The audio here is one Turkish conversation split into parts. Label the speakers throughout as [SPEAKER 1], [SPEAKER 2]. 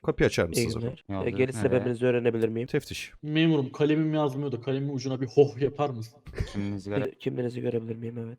[SPEAKER 1] Kapıyı açar
[SPEAKER 2] İyi
[SPEAKER 1] mısınız?
[SPEAKER 2] günler.
[SPEAKER 3] Ne oldu?
[SPEAKER 2] Geliş
[SPEAKER 3] Nereye?
[SPEAKER 2] sebebinizi öğrenebilir miyim?
[SPEAKER 1] Teftiş.
[SPEAKER 4] Memurum kalemim yazmıyor da kalemin ucuna bir hoh yapar mısın?
[SPEAKER 3] Kimliğinizi göre.
[SPEAKER 2] Kimliğinizi görebilir miyim? Evet.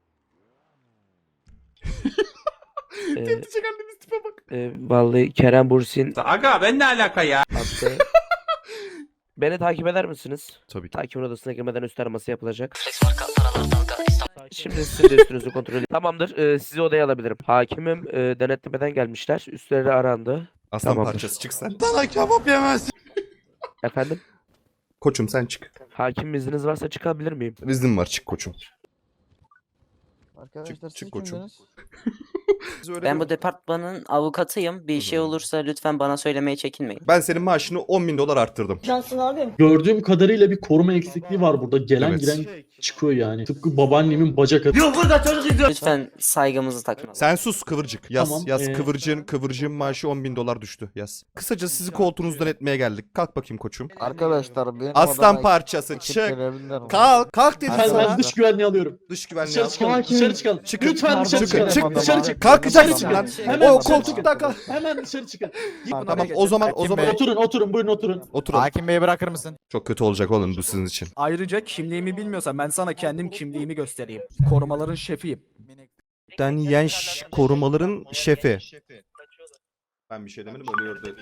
[SPEAKER 2] Ee,
[SPEAKER 1] Teftişe geldiğimiz tipe bak.
[SPEAKER 2] Vallahi Kerem Bursin
[SPEAKER 5] Aga ben ne alaka ya?
[SPEAKER 2] attı. Beni takip eder misiniz?
[SPEAKER 1] Tabii ki.
[SPEAKER 2] Takibin odasına girmeden üst araması yapılacak. Şimdi sizin de üstünüzü kontrol edin. Tamamdır. Sizi odaya alabilirim. Hakimim denetlemeden gelmişler. Üstleri arandı.
[SPEAKER 1] Aslan
[SPEAKER 2] Tamamdır.
[SPEAKER 1] parçası çık sen.
[SPEAKER 5] Sana kebap yemez.
[SPEAKER 2] Efendim?
[SPEAKER 1] Koçum sen çık.
[SPEAKER 2] Hakim izniniz varsa çıkabilir miyim?
[SPEAKER 1] İznim var, çık koçum.
[SPEAKER 6] Arkadaşlar
[SPEAKER 1] çık
[SPEAKER 6] siz
[SPEAKER 1] koçum.
[SPEAKER 6] kimdiniz?
[SPEAKER 7] Ben bu departmanın avukatıyım. Bir şey olursa lütfen bana söylemeye çekinmeyin.
[SPEAKER 1] Ben senin maaşını 10.000 dolar arttırdım.
[SPEAKER 8] Cansın abim.
[SPEAKER 4] Gördüğüm kadarıyla bir koruma eksikliği var burada. Gelen
[SPEAKER 1] Evet.
[SPEAKER 4] giren çıkıyor yani. Tıpkı babaannemin bacak atı.
[SPEAKER 5] Yok burada çocuk izliyor.
[SPEAKER 7] Lütfen saygımızı takın.
[SPEAKER 1] Sen sus kıvırcık. Yaz
[SPEAKER 4] Tamam,
[SPEAKER 1] yaz kıvırcığın maaşı 10.000 dolar düştü. Yaz. Kısaca sizi koltuğunuzdan etmeye geldik. Kalk bakayım koçum.
[SPEAKER 6] Arkadaşlar benim
[SPEAKER 1] Aslan
[SPEAKER 6] odama
[SPEAKER 1] parçası
[SPEAKER 6] ekip
[SPEAKER 1] çık.
[SPEAKER 6] gelebilirler mi?
[SPEAKER 1] Kalk dedim
[SPEAKER 4] Ben
[SPEAKER 1] sana.
[SPEAKER 4] dış güvenliği alıyorum.
[SPEAKER 1] Dış güvenliği
[SPEAKER 4] Dışarı
[SPEAKER 1] al.
[SPEAKER 4] çıkalım. Dışarı çıkalım.
[SPEAKER 1] Çıkın.
[SPEAKER 4] Lütfen dışarı
[SPEAKER 1] Çıkın,
[SPEAKER 4] çıkalım.
[SPEAKER 1] çık,
[SPEAKER 4] Dışarı çık.
[SPEAKER 1] Kalkacaksın
[SPEAKER 4] Dışarı
[SPEAKER 1] lan.
[SPEAKER 4] çıkın. Hemen
[SPEAKER 1] O
[SPEAKER 4] dışarı
[SPEAKER 1] koltukta
[SPEAKER 4] çıkın.
[SPEAKER 1] kal.
[SPEAKER 4] Hemen dışarı çıkın.
[SPEAKER 1] Tamam o zaman
[SPEAKER 4] Oturun buyurun oturun.
[SPEAKER 6] Hakim Bey'i bırakır mısın?
[SPEAKER 1] Çok kötü olacak oğlum bu sizin için.
[SPEAKER 9] Ayrıca kimliğimi bilmiyorsan ben sana kendim kimliğimi göstereyim. Korumaların şefiyim.
[SPEAKER 1] Den Yenş korumaların şefi. Ben bir şey demedim ölüyordu.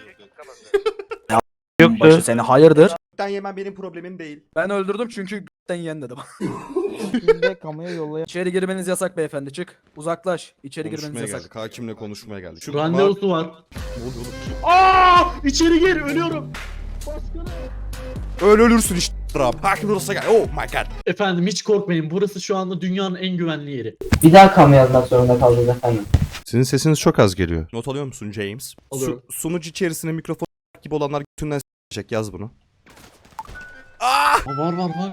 [SPEAKER 9] Başı seni hayırdır?
[SPEAKER 1] Den yemen benim problemim değil.
[SPEAKER 9] Ben öldürdüm çünkü g***ten yiyen dedim.
[SPEAKER 6] Şimdi kamuya yollayan
[SPEAKER 9] İçeri girmeniz yasak beyefendi çık. Uzaklaş. İçeri girmeniz
[SPEAKER 1] Konuşmaya
[SPEAKER 9] yasak.
[SPEAKER 1] geldik. Hakimle konuşmaya geldik. Şu
[SPEAKER 4] Randevusu var.
[SPEAKER 1] Ne oluyor oğlum?
[SPEAKER 4] Aa! İçeri gir ölüyorum.
[SPEAKER 1] Öyle ölürsün işte. Hakim odasına gel. Oh my god.
[SPEAKER 4] Efendim hiç korkmayın. Burası şu anda dünyanın en güvenli yeri.
[SPEAKER 8] Bir daha kamu yazmak zorunda kaldınız efendim.
[SPEAKER 1] Sizin sesiniz çok az geliyor. Not alıyor musun James?
[SPEAKER 4] Alıyorum.
[SPEAKER 1] Sunucu içerisine mikrofon gibi olanlar götünden s**ecek, yaz bunu.
[SPEAKER 4] Var.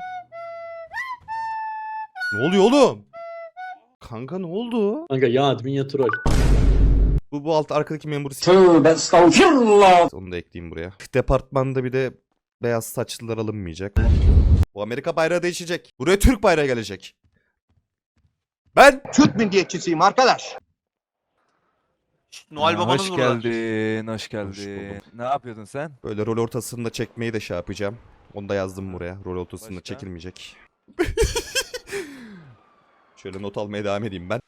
[SPEAKER 1] Ne oluyor oğlum? Kanka ne oldu?
[SPEAKER 4] Kanka ya admin ya troll.
[SPEAKER 1] Bu alt arkadaki memuru
[SPEAKER 5] Tövbe estağfurullah.
[SPEAKER 1] onu da ekleyeyim buraya. Departmanda bir de beyaz saçlılar alınmayacak. Bu Amerika bayrağı değişecek. Buraya Türk bayrağı gelecek. Ben
[SPEAKER 5] Türk milliyetçisiyim arkadaş.
[SPEAKER 10] Noel babanız
[SPEAKER 3] Hoş
[SPEAKER 10] burada.
[SPEAKER 3] geldin, hoş
[SPEAKER 1] Hoş
[SPEAKER 3] geldin.
[SPEAKER 1] buldum.
[SPEAKER 3] Ne yapıyordun sen?
[SPEAKER 1] böyle rol ortasında çekmeyi de şey yapacağım. Onu da yazdım buraya. Rol ortasında
[SPEAKER 3] Başka?
[SPEAKER 1] çekilmeyecek. Şöyle not almaya devam edeyim ben.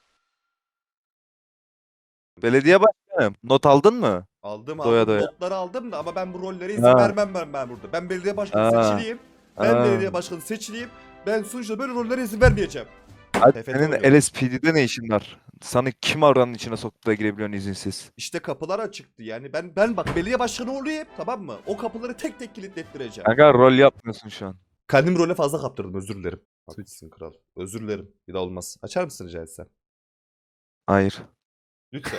[SPEAKER 3] Belediye başkanım, not aldın mı?
[SPEAKER 1] Aldım
[SPEAKER 3] Doya doya.
[SPEAKER 1] notları aldım da ama ben bu rollere izin
[SPEAKER 3] Ha.
[SPEAKER 1] vermem ben burada. Ben belediye başkanı
[SPEAKER 3] Ha.
[SPEAKER 1] seçileyim. Ben
[SPEAKER 3] Ha.
[SPEAKER 1] belediye başkanı seçileyim. Ben sonuçta böyle rollere izin vermeyeceğim.
[SPEAKER 3] Hadi
[SPEAKER 1] TFT
[SPEAKER 3] senin
[SPEAKER 1] oynuyorum.
[SPEAKER 3] LSPD'de ne işin var? Sana kim oranın içine soktu da girebiliyorsun izinsiz?
[SPEAKER 1] İşte kapılar açıktı yani. Ben bak belediye başkanı olayım, tamam mı? O kapıları tek tek kilitlettireceğim.
[SPEAKER 3] Kanka rol yapmıyorsun şu an.
[SPEAKER 1] Kendimi role fazla kaptırdım, özür dilerim. Haklısın kral. Özür dilerim. Bir daha olmaz. Açar mısın rica etsem?
[SPEAKER 3] Hayır.
[SPEAKER 1] Lütfen.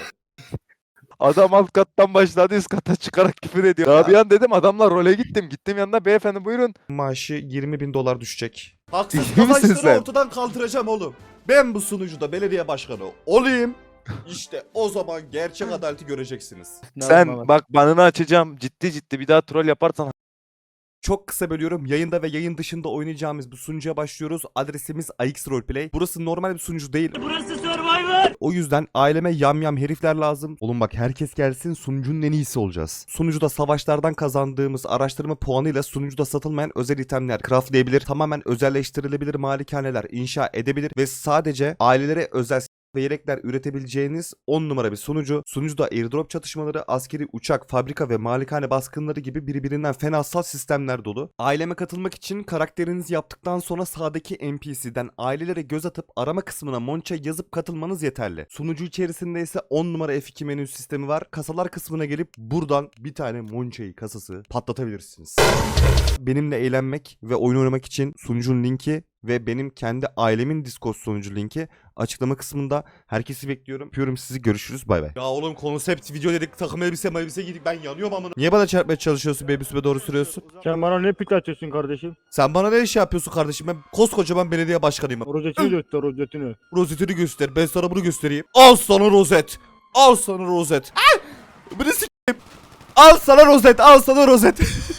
[SPEAKER 3] Adam alt kattan başladı üst kata çıkarak küfür ediyor. Daha bir an dedim adamla role gittim. Gittim yanına beyefendi buyurun.
[SPEAKER 1] Maaşı 20.000 dolar düşecek. Haksız
[SPEAKER 3] Ciddi misin
[SPEAKER 1] kazançları
[SPEAKER 3] sen?
[SPEAKER 1] ortadan kaldıracağım oğlum. Ben bu sunucuda belediye başkanı olayım. İşte o zaman gerçek adaleti göreceksiniz.
[SPEAKER 3] Sen bak banını açacağım. Ciddi bir daha troll yaparsan
[SPEAKER 1] Çok kısa bölüyorum. Yayında ve yayın dışında oynayacağımız bu sunucuya başlıyoruz. Adresimiz AX Roleplay. Burası normal bir sunucu değil.
[SPEAKER 5] Burası Survivor.
[SPEAKER 1] O yüzden aileme yamyam herifler lazım. Oğlum bak herkes gelsin, sunucunun en iyisi olacağız. Sunucuda savaşlardan kazandığımız araştırma puanıyla sunucuda satılmayan özel itemler craftlayabilir. Tamamen özelleştirilebilir malikaneler inşa edebilir. Ve sadece ailelere özel ve yelekler üretebileceğiniz 10 numara bir sunucu. Sunucuda airdrop çatışmaları, askeri uçak, fabrika ve malikane baskınları gibi birbirinden fenasal sistemler dolu. Aileme katılmak için karakterinizi yaptıktan sonra sağdaki NPC'den ailelere göz atıp arama kısmına Monça yazıp katılmanız yeterli. Sunucu içerisinde ise 10 numara F2 menü sistemi var. Kasalar kısmına gelip buradan bir tane Monça'yı kasası patlatabilirsiniz. Benimle eğlenmek ve oyun oynamak için sunucunun linki ve benim kendi ailemin Discord sunucu linki açıklama kısmında. Herkesi bekliyorum. Öpüyorum sizi. Görüşürüz. Bay bay. Ya oğlum konsept video dedik. Takım elbise giydik. Ben yanıyorum amına. Niye bana çarpmaya çalışıyorsun? Baby sübe doğru sürüyorsun.
[SPEAKER 11] Sen bana ne pik atıyorsun kardeşim?
[SPEAKER 1] Sen bana ne iş yapıyorsun kardeşim? Ben koskocaman belediye başkanıyım.
[SPEAKER 11] Rozetini göster rozetini.
[SPEAKER 1] Rozetini göster. Ben sana bunu göstereyim. Al sana rozet. Al sana rozet. Ah! Bunu s**eyim. Al sana rozet. Al sana rozet.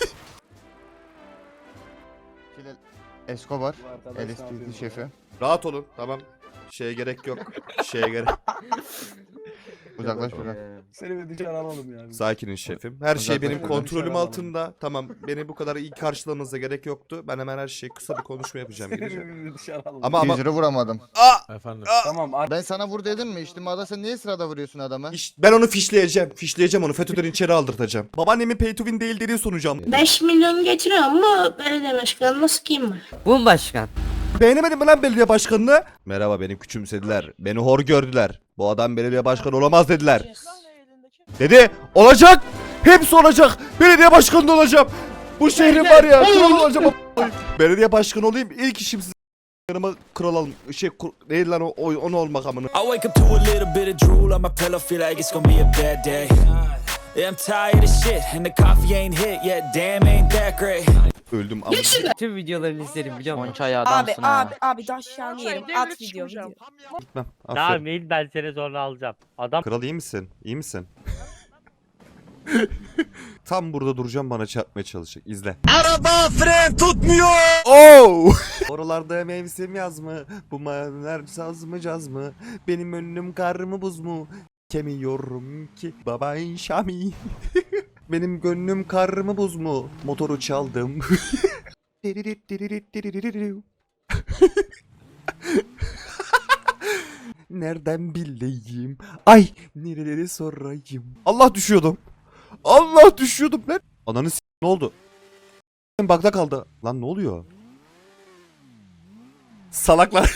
[SPEAKER 6] Escobar, LSPD şefi.
[SPEAKER 1] Rahat olun. Tamam. Şeye gerek yok. Şeye gerek.
[SPEAKER 6] Uzaklaş buradan.
[SPEAKER 9] Seni bir dışarı alalım yani.
[SPEAKER 1] Sakinin şefim. Her şey benim
[SPEAKER 6] Uzaklaşın.
[SPEAKER 1] kontrolüm
[SPEAKER 9] Dışarı
[SPEAKER 1] altında. Tamam, beni bu kadar iyi karşılamanıza gerek yoktu. Ben hemen her şeyi kısa bir konuşma yapacağım. Gideceğim.
[SPEAKER 9] Seni bir dışarı alalım.
[SPEAKER 1] Ama
[SPEAKER 6] 200 lira vuramadım.
[SPEAKER 10] Efendim.
[SPEAKER 9] Tamam
[SPEAKER 6] Ben sana vur dedim mi? İçtimada sen niye sırada vuruyorsun adamı?
[SPEAKER 1] ben onu fişleyeceğim. Fişleyeceğim onu. FETÖ'den içeri aldırtacağım. Babaannemin pay to win değil dediği sonucu
[SPEAKER 8] 5 milyon getiriyor ama belediye başkanına sıkayım mı?
[SPEAKER 7] Bu başkan.
[SPEAKER 1] Beğenemedin mi lan belediye başkanını? Merhaba, beni küçümsediler. Beni hor gördüler. Bu adam belediye başkanı olamaz dediler. Dedi olacak. Hepsi olacak. Belediye başkanı da olacağım. Bu şehrin var ya. Kral olacağım. Belediye başkanı olayım. İlk işim size yanıma kral alım. Değil lan onu olmak amına.
[SPEAKER 5] I wake up to a little bit of drool on my pillow, feel like it's gonna be a bad day. Yeah, I'm tired of shit and the coffee ain't hit yet. Damn, ain't that great.
[SPEAKER 1] Öldüm ama.
[SPEAKER 7] Tüm videolarını izlerim biliyor musun?
[SPEAKER 8] Abi daşyan yerim. At video.
[SPEAKER 1] Gitmem. Aferin.
[SPEAKER 11] Değil, ben seni sonra alacağım. Adam
[SPEAKER 1] Kral iyi misin? İyi misin? Tam burada duracağım, bana çarpmaya çalışacak. İzle.
[SPEAKER 5] Araba fren tutmuyor.
[SPEAKER 1] Oh! Oralarda mevsim yaz mı? Bu maviler saz mı caz mı? Benim önüm kar mı buz mu? Kemiyorum ki baba Şami. Benim gönlüm kar mı buz mu? Motoru çaldım. Nereden bileyim? Ay nereleri sorayım? Allah düşüyordum. Allah düşüyordum lan. Ananı ne oldu? Bakta kaldı. Lan ne oluyor? Salaklar.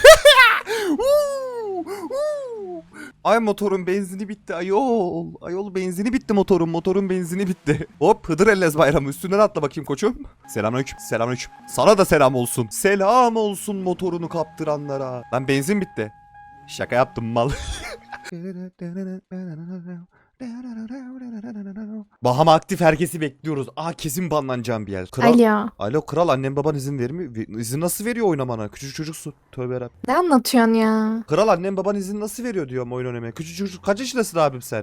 [SPEAKER 1] Ay motorun benzini bitti ayol. Ayol benzini bitti motorun. Motorun benzini bitti. Hop Hıdır Ellez bayramı üstünden atla bakayım koçum. Selamünaleyküm. Selamünaleyküm. Sana da selam olsun. Selam olsun motorunu kaptıranlara. Lan benzin bitti. Şaka yaptım mal. Bahama aktif, herkesi bekliyoruz. Aa kesin banlanacağım bir yer. Kral.
[SPEAKER 8] Alo.
[SPEAKER 1] Alo kral, annem baban izin vermiyor. İzin nasıl veriyor oynamana? Küçük çocuksun. Tövbe yarabbim.
[SPEAKER 8] Ne anlatıyorsun ya?
[SPEAKER 1] Kral, annem baban izin nasıl veriyor diyorum oyun oynamaya. Küçük çocuk. Kaç yaşındasın abim sen?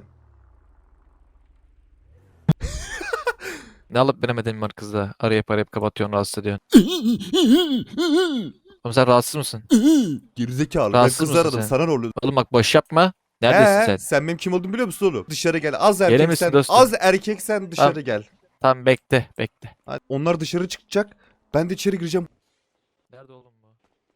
[SPEAKER 10] Ne alıp veremedin var kızla? Arayıp kapatıyorsun, rahatsız ediyorsun. Oğlum sen rahatsız mısın?
[SPEAKER 1] Gerizekalı. Ben
[SPEAKER 10] Rahatsız
[SPEAKER 1] kızı
[SPEAKER 10] mısın
[SPEAKER 1] aradım.
[SPEAKER 10] sen?
[SPEAKER 1] Sana ne oluyor?
[SPEAKER 10] Oğlum bak boş yapma. Neredesin sen?
[SPEAKER 1] Sen benim kim olduğumu biliyor musun oğlum? Dışarı gel. Az
[SPEAKER 10] Gelir
[SPEAKER 1] erkek
[SPEAKER 10] misin
[SPEAKER 1] sen.
[SPEAKER 10] dostum?
[SPEAKER 1] Az erkek sen dışarı
[SPEAKER 10] Tamam.
[SPEAKER 1] gel.
[SPEAKER 10] Tamam bekle.
[SPEAKER 1] Hadi. Onlar dışarı çıkacak. Ben de içeri gireceğim.
[SPEAKER 10] Nerede oğlum bu?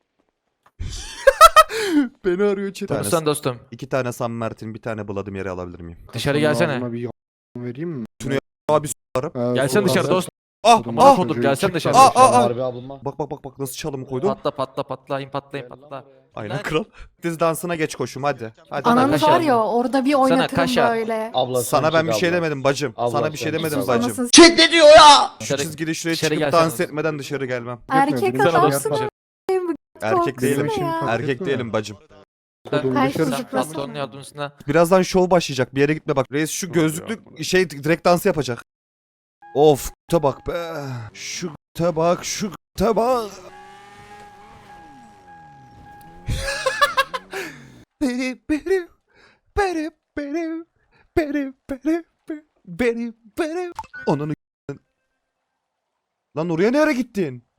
[SPEAKER 1] Beni arıyor içeri.
[SPEAKER 10] Konuşsana dostum.
[SPEAKER 1] 2 tane San Martin, bir tane Bladim yere alabilir miyim?
[SPEAKER 10] Dışarı gelsene.
[SPEAKER 1] Abi s**arım.
[SPEAKER 10] Gelsene dışarı dostum.
[SPEAKER 1] Ah
[SPEAKER 10] Amına
[SPEAKER 1] ah.
[SPEAKER 10] kodur gelsene dışarı.
[SPEAKER 1] Bak nasıl çalımı koydum.
[SPEAKER 10] Patlayın patla.
[SPEAKER 1] Aynen kral. Diz dansına geç koşum hadi. Hadi.
[SPEAKER 10] Ananı
[SPEAKER 8] Ananız
[SPEAKER 10] kaşar.
[SPEAKER 8] var ya orada bir oynatırım
[SPEAKER 10] kaşar.
[SPEAKER 8] böyle.
[SPEAKER 1] Sana ben bir şey demedim bacım. Sana bir şey demedim bacım.
[SPEAKER 8] Anasını
[SPEAKER 5] Chat ne diyor ya?
[SPEAKER 1] Şu
[SPEAKER 10] Dışarı-
[SPEAKER 1] çizgide şuraya
[SPEAKER 10] dışarı
[SPEAKER 1] çıkıp
[SPEAKER 10] gelsene
[SPEAKER 1] dans
[SPEAKER 10] dostum.
[SPEAKER 1] etmeden dışarı gelmem.
[SPEAKER 8] Erkek
[SPEAKER 10] Dışarı
[SPEAKER 8] adamsın
[SPEAKER 10] dostum.
[SPEAKER 1] Erkek değilim.
[SPEAKER 8] Korkusana ya.
[SPEAKER 1] Erkek değilim bacım.
[SPEAKER 8] Ay,
[SPEAKER 10] Sen
[SPEAKER 8] çocuklasın.
[SPEAKER 10] patronun yardımcısına.
[SPEAKER 1] Birazdan show başlayacak. Bir yere gitme bak. Reis şu gözlüklü şey direkt dansı yapacak. Of bak be. Şu bak. Ananı lan oraya nereye gittin?